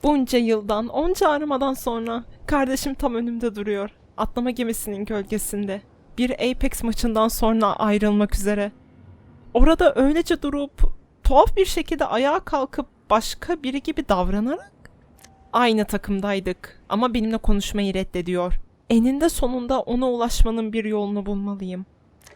Bunca yıldan, onca aramadan sonra kardeşim tam önümde duruyor. Atlama gemisinin gölgesinde. Bir Apex maçından sonra ayrılmak üzere. Orada öylece durup tuhaf bir şekilde ayağa kalkıp başka biri gibi davranarak aynı takımdaydık ama benimle konuşmayı reddediyor. Eninde sonunda ona ulaşmanın bir yolunu bulmalıyım.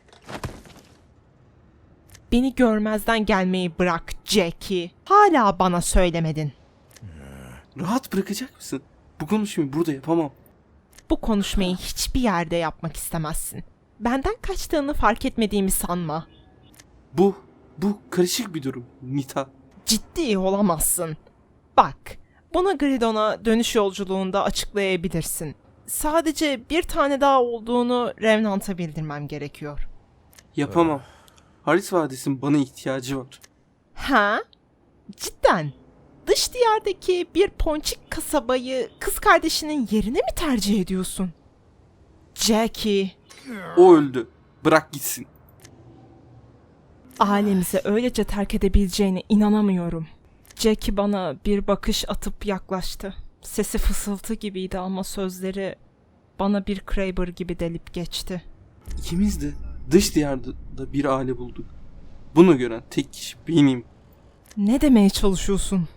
Beni görmezden gelmeyi bırak Jackie. Hala bana söylemedin. Rahat bırakacak mısın? Bu konuşmayı burada yapamam. Bu konuşmayı hiçbir yerde yapmak istemezsin. Benden kaçtığını fark etmediğimi sanma. Bu karışık bir durum Nita. Ciddi olamazsın. Bak, bunu Gridon'a dönüş yolculuğunda açıklayabilirsin. Sadece bir tane daha olduğunu Revenant'a bildirmem gerekiyor. Yapamam. Haris Vadisi'nin bana ihtiyacı var. Ha? Cidden? Dış diyardaki bir ponçik kasabayı kız kardeşinin yerine mi tercih ediyorsun? Jackie, O öldü. Bırak gitsin. ailemizi öylece terk edebileceğine inanamıyorum. Jackie bana bir bakış atıp yaklaştı. Sesi fısıltı gibiydi ama sözleri bana bir Kraber gibi delip geçti. İkimiz de dış diyarda bir aile bulduk. Bunu gören tek kişi benim. Ne demeye çalışıyorsun?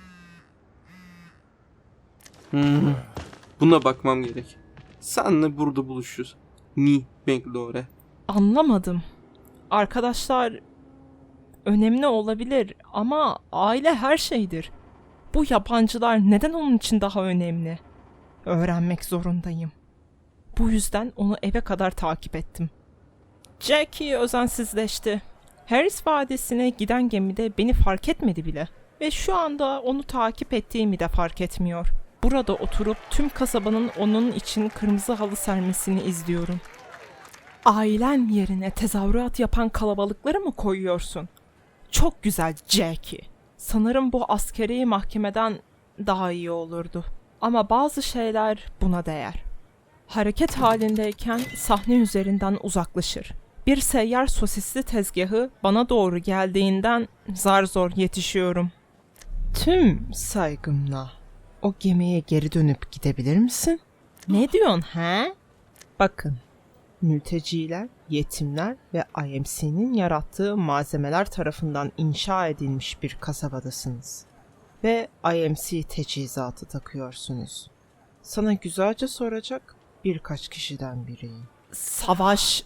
Buna bakmam gerek. Senle burada buluşuyoruz. Ni Bangalore. Anlamadım. Arkadaşlar önemli olabilir ama aile her şeydir. Bu yabancılar neden onun için daha önemli? Öğrenmek zorundayım. Bu yüzden onu eve kadar takip ettim. Jackie özensizleşti. Harris Vadisi'ne giden gemide beni fark etmedi bile. Ve şu anda onu takip ettiğimi de fark etmiyor. Burada oturup tüm kasabanın onun için kırmızı halı sermesini izliyorum. Ailen yerine tezahürat yapan kalabalıkları mı koyuyorsun? Çok güzel Jackie. Sanırım bu askeri mahkemeden daha iyi olurdu. Ama bazı şeyler buna değer. Hareket halindeyken sahne üzerinden uzaklaşır. Bir seyyar sosisli tezgahı bana doğru geldiğinden zar zor yetişiyorum. Tüm saygımla o gemiye geri dönüp gidebilir misin? Ne diyorsun he? Bakın, mülteciler, yetimler ve IMC'nin yarattığı malzemeler tarafından inşa edilmiş bir kasabadasınız. Ve IMC teçhizatı takıyorsunuz. Sana güzelce soracak birkaç kişiden biriyim. Savaş...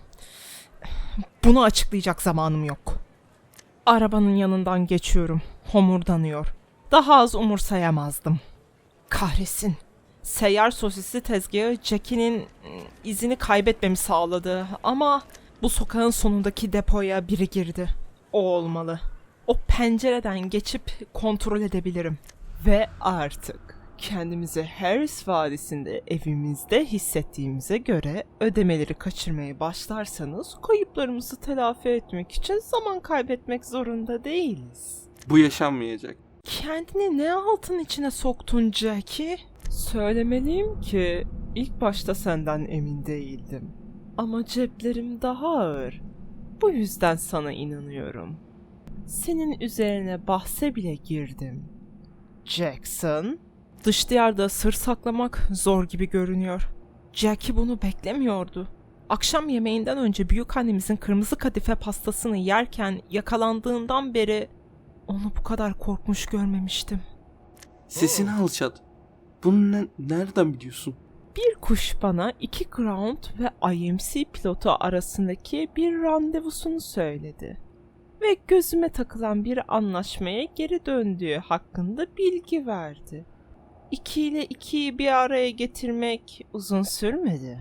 Bunu açıklayacak zamanım yok. Arabanın yanından geçiyorum. Homurdanıyor. Daha az umursayamazdım. Kahretsin. Seyyar sosisli tezgahı Jackie'nin izini kaybetmemi sağladı ama bu sokağın sonundaki depoya biri girdi. O olmalı. O pencereden geçip kontrol edebilirim. Ve artık kendimizi Harris Vadisi'nde evimizde hissettiğimize göre ödemeleri kaçırmaya başlarsanız kayıplarımızı telafi etmek için zaman kaybetmek zorunda değiliz. Bu yaşanmayacak. Kendini ne altın içine soktun Jackie? Söylemeliyim ki ilk başta senden emin değildim. Ama ceplerim daha ağır. Bu yüzden sana inanıyorum. Senin üzerine bahse bile girdim. Jackson, dış diyarda sır saklamak zor gibi görünüyor. Jackie bunu beklemiyordu. Akşam yemeğinden önce büyükannemizin kırmızı kadife pastasını yerken yakalandığından beri onu bu kadar korkmuş görmemiştim. Sesini alçalt. Bunu nereden biliyorsun? Bir kuş bana 2 Ground ve IMC pilotu arasındaki bir randevusunu söyledi. Ve gözüme takılan bir anlaşmaya geri döndüğü hakkında bilgi verdi. 2 ile 2'yi bir araya getirmek uzun sürmedi.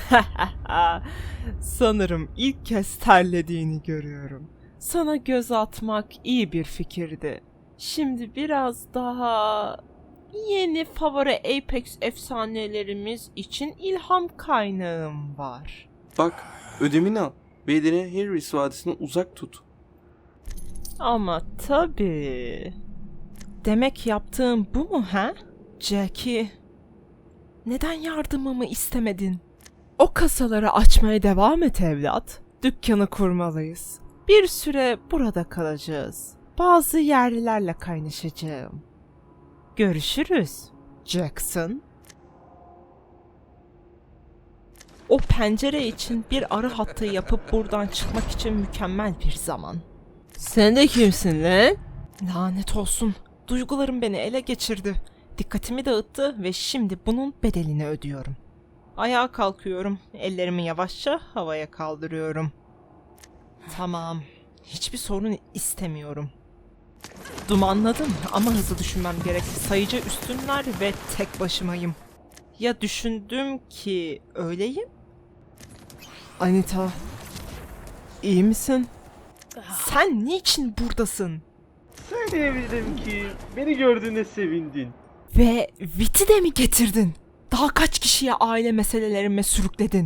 Sanırım ilk kez terlediğini görüyorum. Sana göz atmak iyi bir fikirdi. Şimdi biraz daha yeni favori Apex efsanelerimiz için ilham kaynağım var. Bak, ödemini al. Bedeni Harris Vadisi'ne uzak tut. Ama tabii. Demek yaptığım bu mu he? Jackie, neden yardımımı istemedin? O kasaları açmaya devam et evlat. Dükkanı kurmalıyız. Bir süre burada kalacağız. Bazı yerlilerle kaynaşacağım. Görüşürüz, Jackson. O pencere için bir arı hattı yapıp buradan çıkmak için mükemmel bir zaman. Sen de kimsin lan? Lanet olsun. Duygularım beni ele geçirdi. Dikkatimi dağıttı ve şimdi bunun bedelini ödüyorum. Ayağa kalkıyorum. Ellerimi yavaşça havaya kaldırıyorum. Tamam. Hiçbir sorun istemiyorum. Dumanladım ama hızlı düşünmem gerek. Sayıca üstünler ve tek başımayım. Ya düşündüm ki öyleyim? Anita, iyi misin? Sen niçin buradasın? Söyleyebilirim ki beni gördüğüne sevindin. Ve Viti de mi getirdin? Daha kaç kişiye aile meselelerime sürükledin?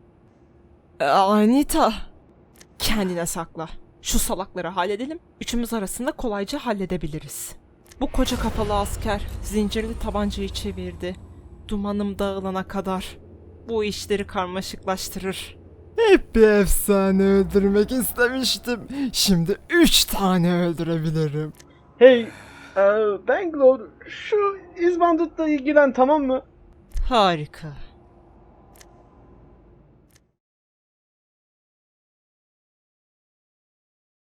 Anita, kendine sakla. Şu salakları halledelim. Üçümüz arasında kolayca halledebiliriz. Bu koca kafalı asker zincirli tabancayı çevirdi. Dumanım dağılana kadar. Bu işleri karmaşıklaştırır. Hep bir efsane öldürmek istemiştim. Şimdi 3 tane öldürebilirim. Hey, Bangalore, şu İzbandut'la ilgilen, tamam mı? Harika.